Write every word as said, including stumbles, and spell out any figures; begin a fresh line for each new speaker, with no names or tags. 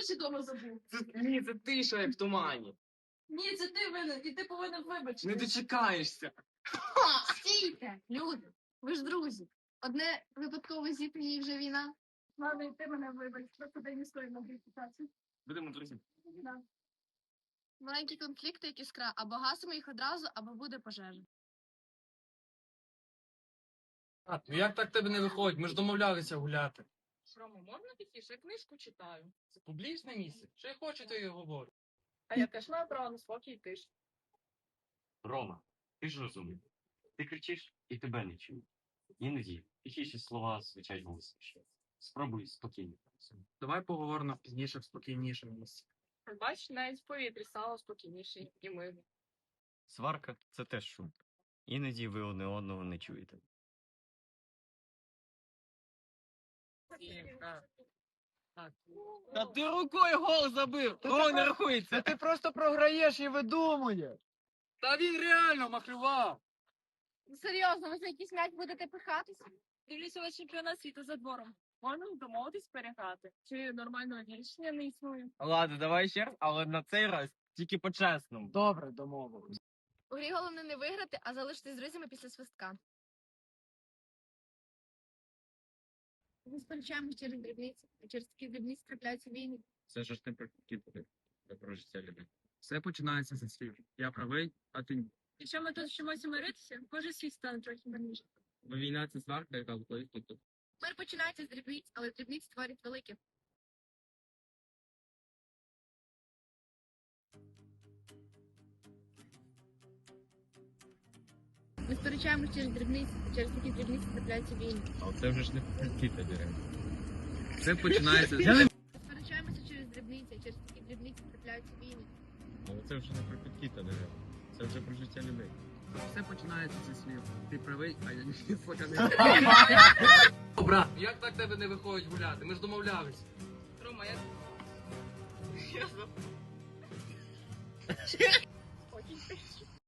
речі дома забув.
Це, ні, це ти, що як в тумані.
Ні, це ти винен, і ти повинен вибачити.
Не дочекаєшся.
Стійте, люди, ви ж друзі. Одне випадково зіткнення і вже війна.
Ладно, і ти мене вибач, просто дай не стоїть на репутацію.
Будемо друзі.
Да.
Маленькі конфлікти, як іскра, або гасимо їх одразу, або буде пожежа.
А, ну як так тебе не виходить? Ми ж домовлялися гуляти.
Рома, можна тихіше? Я книжку читаю.
Це публічне місце. Що я хочу, то і говорю.
А я теж маю право на спокій тиш.
Рома, ти ж розумний. Ти кричиш і тебе не чують. Іноді тихіші слова звучать голосніше. Спробуй спокійно.
Давай поговоримо пізніше в спокійнішому місці.
Бач, навіть в повітрі стало спокійніше і мирно.
Сварка – це теж шум. Іноді ви одне одного не чуєте.
Та ти рукою гол забив. Гол не рахується.
ти просто програєш і видумуєш. Та він реально махлював.
Серйозно, ви за якийсь м'яч будете пихатися?
Дивлюся ваш чемпіонат світу за двором. Можна домовитись переграти? Чи нормального рішення не існує?
Ладно, давай ще раз, але на цей раз тільки по-чесному.
Добре, домовились.
У грі головне не виграти, а залишитись з друзями після свистка. Ми сперечаємось через дрібниці, а через такі дрібниці трапляються війни.
Це ж не про кіти, це про життя людей.
Все починається зі слів. Я правий, а ти ні.
Якщо ми тут вчимося миритися, може світ стане трохи мирніше.
Бо війна – це сварка, яка виходить тут.
Мир починається з дрібниць, але дрібниці творять велике. Ми сперечаємось через дрібниці, а через такі дрібниці трапляються війни.
А це вже ж не про кіти, дерев.
Все починається з
Ми сперечаємося через дрібниці, а через такі дрібниці трапляються війни.
Але це вже не про кіти, дерев. Це вже про життя людей.
Все починається зі слів. Ти правий, а я не слуханий. Брат, як так тебе не виходить гуляти? Ми ж домовлялися.
Рома, я... Я за... Окей.